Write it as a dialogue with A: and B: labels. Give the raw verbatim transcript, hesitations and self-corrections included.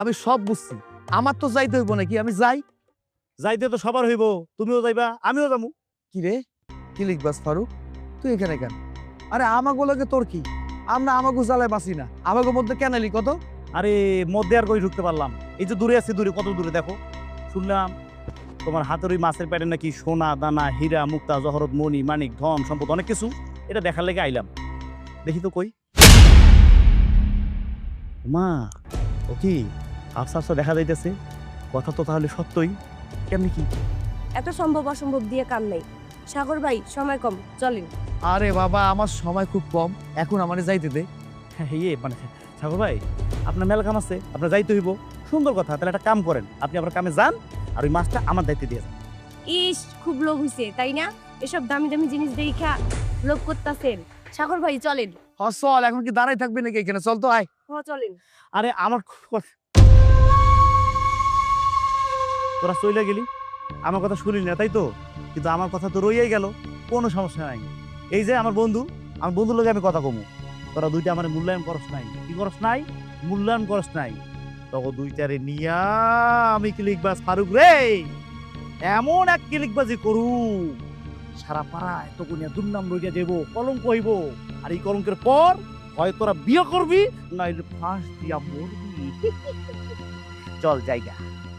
A: আমি সব বুঝছি, আমার তো যাইতে হইব নাকি? আমি যাই।
B: যাইতে তো সবার হইব, তুমিও যাইবা আমিও যাবো।
A: কি রে, কি লিখবাস ফারুক? তুই এখানে কেন? আরে আমাগো লাগে তোর কি? আমরা আমাগো জ্বালায় বাঁচি না, আমাগো মধ্যে কেন এলি কত?
B: আরে মধ্যে আর কই ঢুকতে পারলাম? এই যে দূরে আছি, দূরে কত দূরে দেখো। শুনলাম তোমার হাতের ওই মাছের পেটে নাকি সোনা দানা হীরা মুক্তা জহরত মণি মানিক ধন সম্পদ অনেক কিছু। এটা দেখার লেগে আইলাম, দেখি তো কই। মা, ও কি আফসা আফসা দেখা যাইতেছে? কথা তো তাহলে সত্যই। কেমনি কি?
C: এত সম্ভব অসম্ভব দিয়ে কাম নাই। সাগর ভাই সময় কম, চলেন।
A: আরে বাবা, আমার সময় খুব কম, এখন আমারে যাইতে দে।
B: হ্যাঁ ইয়ে মানে ঠাকুর ভাই, আপনার মেলা কাম আছে, আপনার যাইতে হইব। সুন্দর কথা, তাহলে একটা কাম করেন, আপনি আপনার কামে যান আর ওই মাছটা আমার দায়িত্বে দিয়ে যান।
C: ইস, খুব লোভ হইছে তাই না? এসব দামি দামি জিনিস দেখা লোভ করতেছেন। সাগর ভাই চলেন।
A: হ চল, এখন কি দাঁড়াই থাকবি নাকি এখানে? চল তো আয়।
C: হ চলেন।
B: আরে আমার কথা- তোরা চলে গেলি, আমার কথা শুনিস না তাই তো, কিন্তু আমার কথা তো রইয়াই গেল। কোনো সমস্যা নাই। এই যে আমার বন্ধু, আমার বন্ধুর লগে আমি কথা কমু। তোরা দুইটা আমার মূল্যায়ন করস নাই, কি করস নাই? মূল্যায়ন করস নাই। তখন দুইটারে নিয়া আমি ক্লিকবাজ ফারুক রে, এমন এক ক্লিকবাজি করু, সারা পাড়ায় তখন দুর্নাম রইয়া দেব, কলঙ্ক হইব। আর এই কলঙ্কের পর হয় তোরা বিয়ে করবি, নাইলে ফাঁস দিয়া মরবি। চল জায়গা।